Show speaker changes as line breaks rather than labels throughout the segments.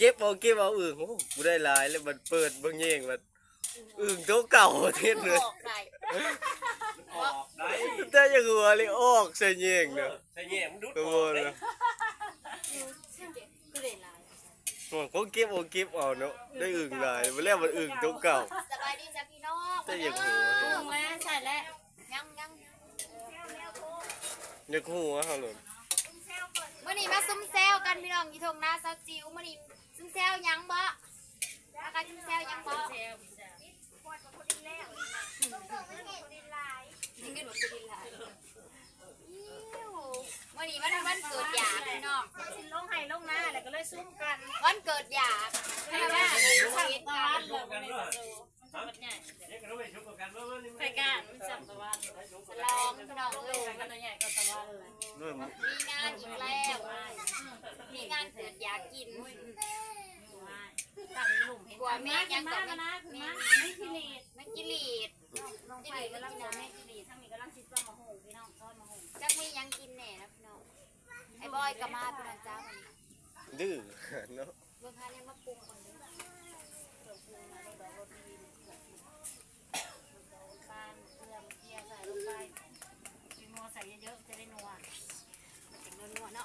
ก็บเอาอึ่งโอ้กูได้หลายแล้วมันเปิดเบิ่งแย่งมันอึ่งตัวเก่าเทศเลย
ออกได้
แต่ยังหัวเลยออกใส่แย่งเนาะ
ใส่แย่มันดุด
ตัว
ออกเล
เนาะ
ย
มันก็เก็บเอาเนาะได้อึ่งหลายมาแล้วมันอึ่งตัวเก่า
สบายดีจ้ะพี่น้อง
แต่ยังหัว
มาใช่แล้วยัง
ยังหัวเขาเลย
มื่อนี้มาซุ่มแซวกันพี่น้องอยู่ทงนาซาจิ๋วมื่อนี้ซุ่มแซวยังบ่มากันซุ่มแซวยังบ่ยิงกันหมดดินลายมื่อนี้วันเกิดหยาพี่น้องสิลงให้ลงหน้าแล้วก็เลยซุ่มกันวันเกิดหยาให้ว่าเห็นกันไปกันจับตะวันลองพี่น้องเลยกันใหญ่ก็ตะวันเลยมีงานอีกแล้วมีงานเกิดอยากกินกว่าแม่ยังกับไม่กิเลสไม่กิเลสน้องไผ่กำลังจะไม่กิเลสทั้งนี้กำลังชิดว่ามาหูพี่น้องซ้อนมาหูจักมียังกินแน่นะพี่น้องไอ้บอยกับมาพี่น้องจ้าวันนี้
ดื้อเนาะ
เบื้องข้างยังมาปรุงก่อนเลยใส่เยอะๆจะได้นัวเป็นนัวเนาะ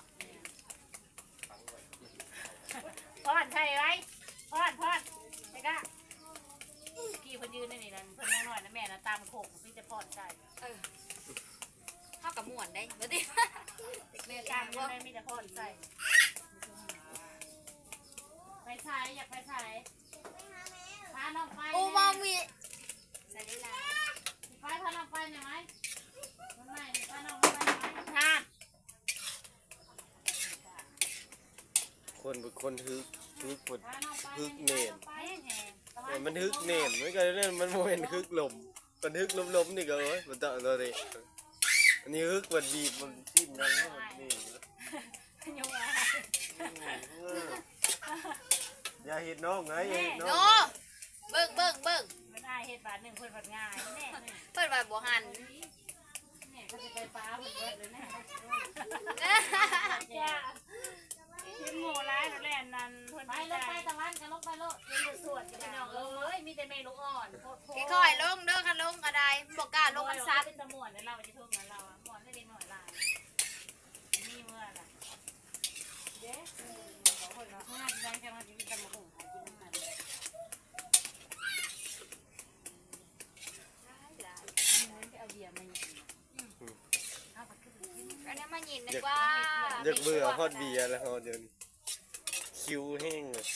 พอดใช่ไหมพอดไอ้ก้ากี่คนยืนได้นี่นั่นเพิ่นน้อยนะแม่นะตามโขกพี่จะพอดใช่เท่ากับหมวนได้เดี๋ยวดิแม่ตามยืนได้มีแต่พอดใส่ไปใช้อยากไปใช้พาน้องไปโอ้มามีใส่ได้แล้วไปพาน้องไปหน่อยไหม
คนฮึกเน่นมันฮึกเน่นไม่ก็เนี่ยมันโมเห็นฮึกลมมันฮึกลมนี่ก็เอ้ยมันต่อตัวนี้อันนี้ฮึกมันบีบมันจิ้มนั่นมันนี่อย่าเห็นน้องไงอย่าเห็นน้อง
เบิ่ง
มันได้เห็ดบาทหนึ่งเพิ่นผัดง่ายแน่
เพิ่นว่าบ่หัน
เนี่ยเขาจะไปฟ้าเพิ่นเบิดเลยแน่กินหมูร้ายนั่นแหละนั่นเพิ่นไปลงไปตะวันกันลงไปโลดเรียนสวดกันน้องเอ้ยมีแต่เมลูกอ่อน
ค่อยๆลงเด้อคันลงก็ได้บ่กล้าลงมันซัด
เป็นตะม่วนเราจะทุ่งเราม่วนได้เด็กหน่อยลายนี่เมื่อล่ะเด้บอกคนว่าห้าที่ได้แค่มากินตะมะหุ่งหากินน้ำมันเอาเบียร์มา
อันนี้มายินนึกว่า
อยากเบื่อพอดเบียร์แล้วเดี๋ยวนี้คิวแห้งเลย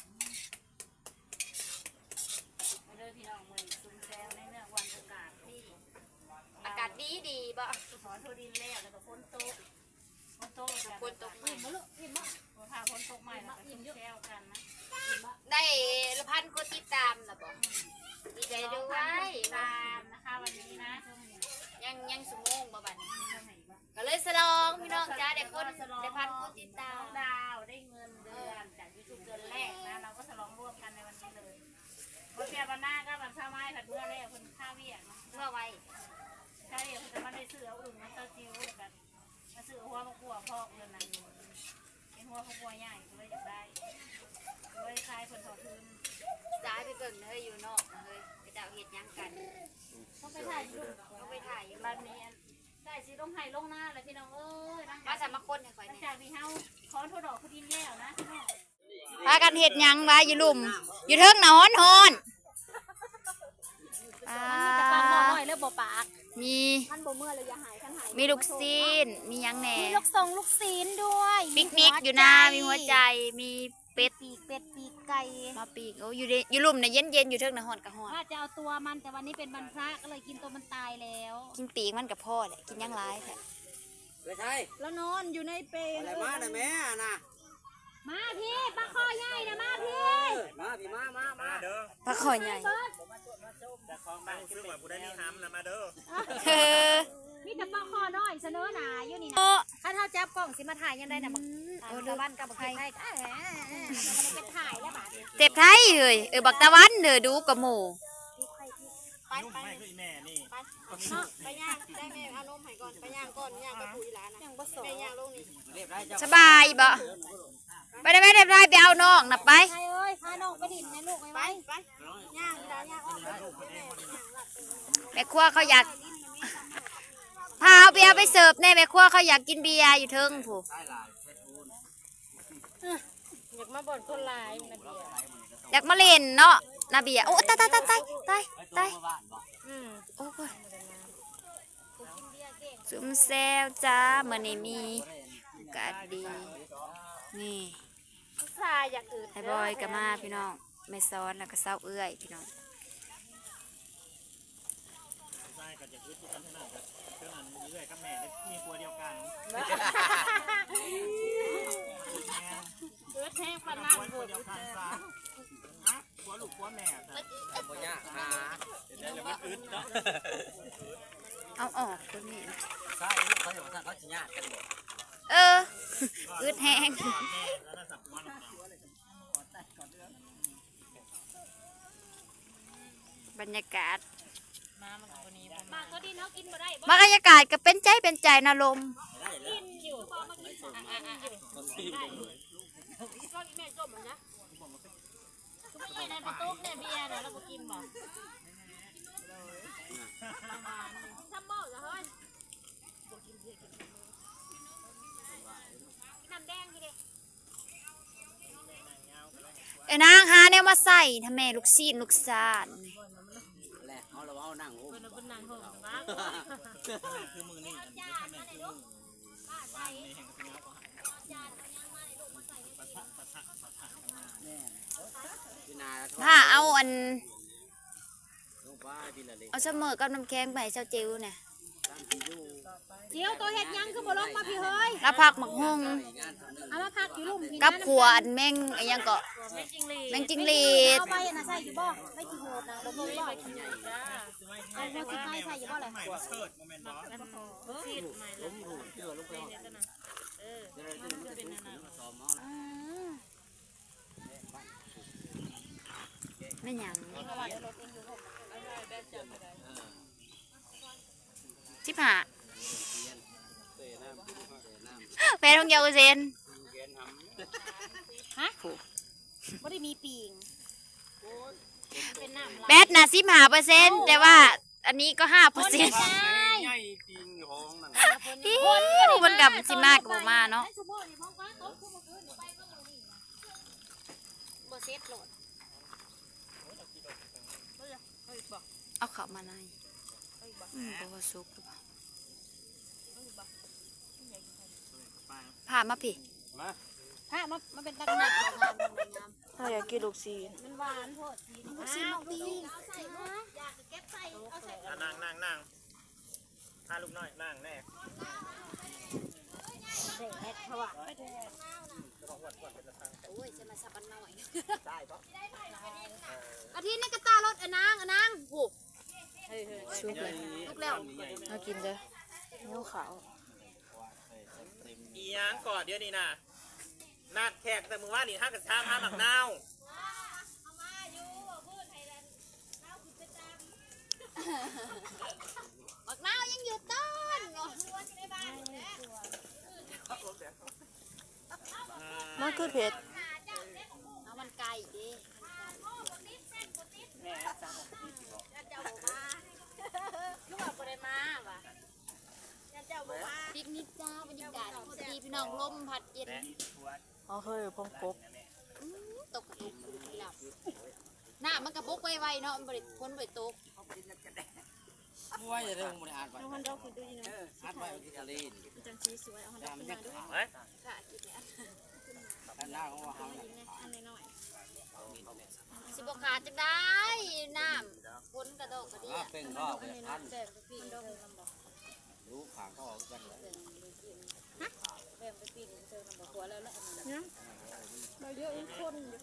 มาเดินพี่น้องมือซุ่มแซวในเนื้อวันอากาศที่
อากาศดีบ่
ถอนทั่วดินแล้วก็ฝนตกอิ่มมะลูกอิ่มมะพาฝนตกใหม่แล้วก็ซุ่มแซวกันนะ
ได้พันคนติดตามนะบ่ดีใจด้วย
ตามนะคะวันนี้นะ
ยังสมงบ่บัดนี้ก็เลยสลองพี่น้องจ้าเด็กคนได้พันคนติดตาม
ดาวได้เงินเดือนจากยูทูบเดือนแรกนะเราก็ฉลองร่วมกันในวันนี้เลยวันเปียวันหน้าก็วันเช้าไม้ผัดเมื่อแรกคนข้าวเวียก
เมื่อไว้
ใช่คนจะมาได้ซื้อเอาอึ่งมาเต้าจิ้วแบบมาซื้อหัวมะกรูดพอกเงินนั้นเป็นหัวมะกรูดใหญ่ก็เลยอยากได้เลยคลายผลถอดทุน
ซ้ายไปเบิ่งเฮ้ยอยู่นอกเฮ้ยไปดาวเห็ดยังกัน
ต้องไปถ่ายอยู่
ต้องไปถ่ายอยู่
บ้านนี้ได้สิต้องให้ลงหน้าเลยพี่น้องเอ้ย
มาสามาคนให้ข่อยเนี่ย
จากพี่เฮาขอโทษดอกคุณดินแล้วนะพี่น้อง
พากันเห็ดยังวะอยู่ลุ่มอยู่เทิงหนอนฮอน
มีกระป๋องหน่อยแล้วบ่ปาก
มี
ท่านบ่เมื่อเลยอย่าหายท่านหาย
มีลูกซีนมียังแหน่
มีลูกทรงลูกซีนด้วย
ปิกนิกอยู่นะมีหัวใจมีเป็ด
ปีกไก่
มาปีกโอ้อยู่ลุ่มเนี่ยเย็นอยู่เทิงหนอนกับฮอน
ว่าจะเอาตัวมันแต่วันนี้เป็นวันพระก็เลยกินตัวมันตายแล้ว
กินปีกมันกับพ่อแหละกินยังร้ายแท้
ไม่ใช่
แล้วนอนอยู่ในเปรย์
อะไรมาหน่อยแม่น่ะ
มาพี่ปลาคอใหญ่นะมาพี่
มาพี่มาเด้อ
ปลาคอใหญ่
จะคล้องบ้านคือว่ากูได้นี่ห้ำนะมาเด้อ
มีแต่ปลาคอน้อยเสนอหนาอยู่นี่นะถ้าเท่าจับกล้องสิมาถ่ายยังได้นะบักตะวันกับบักไทยมันถ่ายแล้วบาด
เจ็บไทยเลยบักตะวันเด้อดูกับหมู
ไปแม่นี่
ไปย่างได้แม่เอานมให้ก่อนไปย่างก่อนย่างกระปุยร้านนะย่างผสมไปย่างลงนี่
สบายบ่ไปได้ไหมเรียบร้อยไปเอาน้องน่ะไป
ใครเอ้ยพาน้องไปดินในลูกไปไปย่างดาย่างออก
แม่ครัวเขาอยากพาเอาเบียร์ไปเสิร์ฟแน่แม่ครัวเขาอยากกินเบียร์อยู่เทิงผู้
อยากมาบ่นคนหลายนะเบียร์
อยากมาเล่นเนาะนาเบียร์โอ้ตายโอ้ยซุ่มแซวจ้ามื้อนี้มีอากาศดีนี่
ชายอยากอื่น
ไอ้บอยก็มาพี่น้องแม่ซ้อนแล้วก็เศร้าเอื้อยพี่น้อง
ใช่ก็จะคิดทุกคนเท่านั้นเท่านั้นเรื่อยกับแม่มีครัวเดียวกัน
เกิดแห้งปานนั่ง
ครัวเดียวกันซะครัวลูกครัวแม่ซะบ่ยากหาเดี๋ยวมันอึดเนาะ
เอาออกตัวนี้
ใช่เขาอยู่ท่านเขาสิยากกันบ่
อึดแห้ง
แม่แล้วน่าสับมัน
บรรยากาศ
มาเขาดินเขากินบ่ได้
บรรยากาศก็เป็นใจนะลม
กินอยู่พอมากินก็อีแม่จมนะไม่ในประตูเนี่ยเบียร์เดี๋ยวเรากินบ่ทำหม้อเหรอเฮ้ยน้ำแดงทีเดียว
ไอ้นางหาแนวมาใส่ทำแม่ลูกซีนลูกซาน
แหละเอาเราเอานั่งโอ้
เป็นนางหงส์นะ
คือมือนี่อันนี้ทำไมคือมือบ้านในแห่งกระเงาก็หาย
ถ้าเอาอันเอาเสมอกับน้ำแข็งไปให้เจ้าจิ๋วเนี่ย
เจียวตัวเห็ดยังคือบ่ลงมาพี่เฮ้ย
แล้วผักหมักฮง
เอามาพักอยู่ลุ่มพี่
กับขัวอันแม่งไอ้ยังก็
ไม่จริงเลย
แม่งจิงหรีด
เอาไปนะใส่อยู่บ่ไม่กี่โหดนะเราบ่บ่เอาแม่กินไปใส่อยู่บ่เลย
ใหม่เชิดโมเมนต์บอส
ชีดใหม่เลย
ไม่หยังชิบหาแฟนของเยาวเซน
บ่ได้มีปีงเป็นน้ำ
แบทนะ15%แต่ว่าอันนี้ก็5%
ใหญ่จริงห้องนั่น
มันกับสิมากกับมาเนาะ
บ่เซ็ตโหลด
เอาเข้ามาในบ่ว่าสุกหรือเปล่าผ่ามาพี่
มา
ถ้ามันเป็นตักหนักงามงาม
ถ้าอยากกินลูกซีน
มันหวานโพดสีมันสีน้องดีเอาใส่มาอยากเก็บใส่เอาใส่
นั่งพาลูกน้อยนั่งแน่
แดดเพราะว่า
โอ้ยจะมาสับอันหน่อย
ได้ปะ
อาทิตย์นี้ก็ตารถอนางโห
ชุบเลย
ลูกแล้ว
เอากินเด้อเนื้อขาว
อีหยังก่อนเดี๋ยวนี้นะนัดแขกแต่มือว่านี่ห้ากับชามห้าหมักนาว
บักนาวยังอยู่ต้น
มันคือเผ็ด
เอามันไก่ดิ
ลูกเอาบ่ได้มาว่ะเจ้าบ่มา
ปิกนิกจ้าบรรยากาศดีพี่น้องลมพัดเย็น
เอาเคยพงกบ
ตกกระตุกหลับหน้ามันกระปุกไวๆเนาะมันบริพ้นบริตก
ว่าจะเรื่องมันอ่านไป
เอาฮันดอกคือดูนี่นะ
อ่านไปที่ทะเล
จังสีสวยเอาฮันดอกขึ้นมาดู
เฮ้ย
ค่ะกินเนี่ย
ด้านหน้าของเรา
อันน้อย
สิบขาดจะได้น้ำพ้นกระโดกกระเดีย
เป็นก็เป็นพัน
แบ่งไปปีนดอกลำบาก
รู้ขางเขาออกกันเลย
แบ่งไปปีนเจอลำบากหัวแล้วแหละ
เราเยอะคนอยู่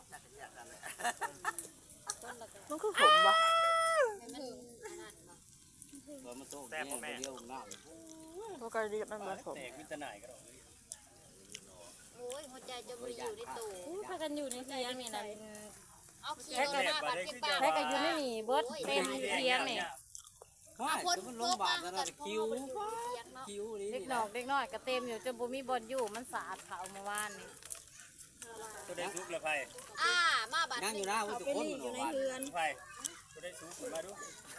มันคือขมปะ
ให้มันขนาดบ่
เรามาโต๊ะแซ่บแม่เดียวหน้า
ตัวไก่ดีมันแบบขม
แตกวิจารณ์ก็ได้
โอ้ยหัวใจจะมีอยู่ในตู้
พากันอยู่ในเตียงนี่นะ
เอาเขียวหน้าบัดเก็บปาก
แพ้กันอยู่ในนี่เบิดเต็มเตียงนี่
เอาพ้นโลกมากันคิว
คิ้วนี่
เด็กน้อยก็เต็มอยู่จนบ่มีบอลอยู่มันสะอาดขาวเมื่อวานนี่
เอตัวได้ซุกเลยไผ่
มาบัด
นั่งอยู่หน้าวุ้นทุกคนอยู่ในเรือน
ไผ่ตัวได้ซุกมาดู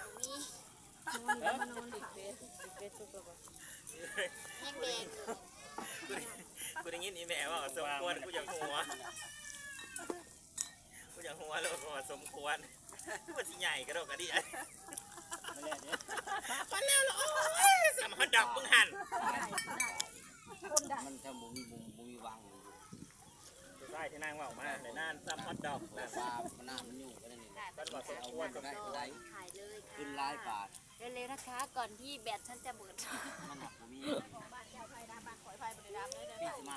ยังแดง
กูได้ยินอีแม่ว่าสมควรกูอยากหัวแล้วก็สมควรมันสิใหญ่กระโดดกระดิ่งมาแล้วเหรอโอ้ยสามหันดอกมึงหัน
มันจะบุมีวางอยู่
ใช่ที่นางว่าออกมาในน่านสามหันดอก
แต่ว่ามันน่ามันอยู่ก็ได้นี่
บ้านบอกสม
เอา
ควร
ก็ได้ก็ได้
ถ่ายเลยค่ะ
ขึ้นร้ายบาท
เร็วๆนะคะก่อนที่แบตฉันจะเบิด
มันหนักบุมี
บ้านยาวไฟดำบ้านข่อยไฟบริดำเลยเด้อ
ปีมาก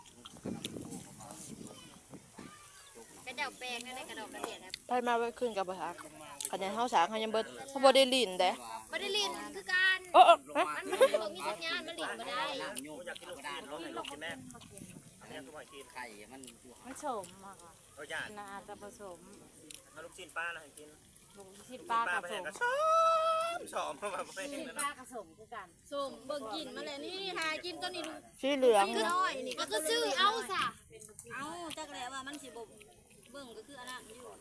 กระเดาแปลงนั่นได้กระดอกกระเดียดนะ
ไปมาไว้ขึ้นกับบ่ทักคะแนนเฮาสางเฮายังเบิดเฮาบ่ได้ลิ้นเด้
ไม่ได้ลินคือการ
โอ้ฮะ
มันไม่บอกมีสัญญาณมันลินไม่ได้
น้ำโยก
อยากกินลูก
ก็
ชิ้
ได้
นรถให้ลูกกินแม่อันนี้ทุกคนกิน
ไข่มันอยู่
มันสมมากอ่ะ
เขาอยาก
น่าจะผสม
ถ้าลูกชิ้นป้านะให้กิน
ลุงที่ป้า
ป้า
ผ
ไป
ส
เห็น
ม
ก็ชอบเพราะว่าไม่เห็น
ที่
นะ
ป้าผสมคือกัน
ส้มเบิ่งกินมาเลยนี่หากินตัวนี้ดู
สีเหลือง
น้อยนี่ก็ซื้อเอาซะ
เอาจักแล้วว่ามันสิบ่เบิ่งก็คืออันนั้นอยู่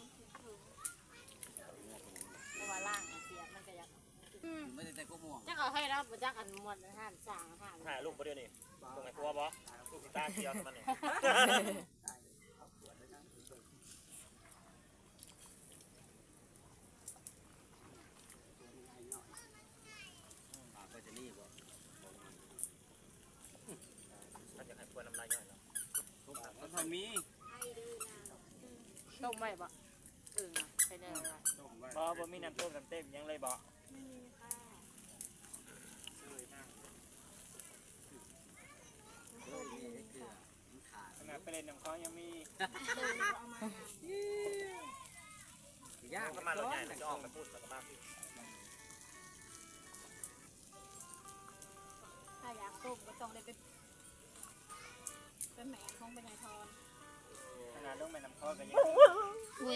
เพราะว่าล่างเสียมันก็อยาก
ไม่ได้แต่ก็ม่วง
จักเอาให้เราบ่จักอันมวนอาหารสร้างอาหาร
ถ่ายลูกประเดี๋ยวนี้ตรงไหนครัวบอลูกกีตาร์เกียวมันนี่
ก็จะนี่บ่
มันจะให้ควรน้ำลายย่อยเนาะ
มันทำมี
ต้มไว้บ่อึ่งไปได้ละ
บ่มีน้ำต้มน้ำเต็มยังเลยบ่ ขนาดไปเล่นน้ำเขายังมี
ยาก
ก็มาเราใหญ่จะออกไปพูดสักมาก
ถ้าอยากต้มก็ต้องได้เป็นแหม่ของเป็นนายทอน
ขนาดลงไปน้ำเขาก็ยัง
ง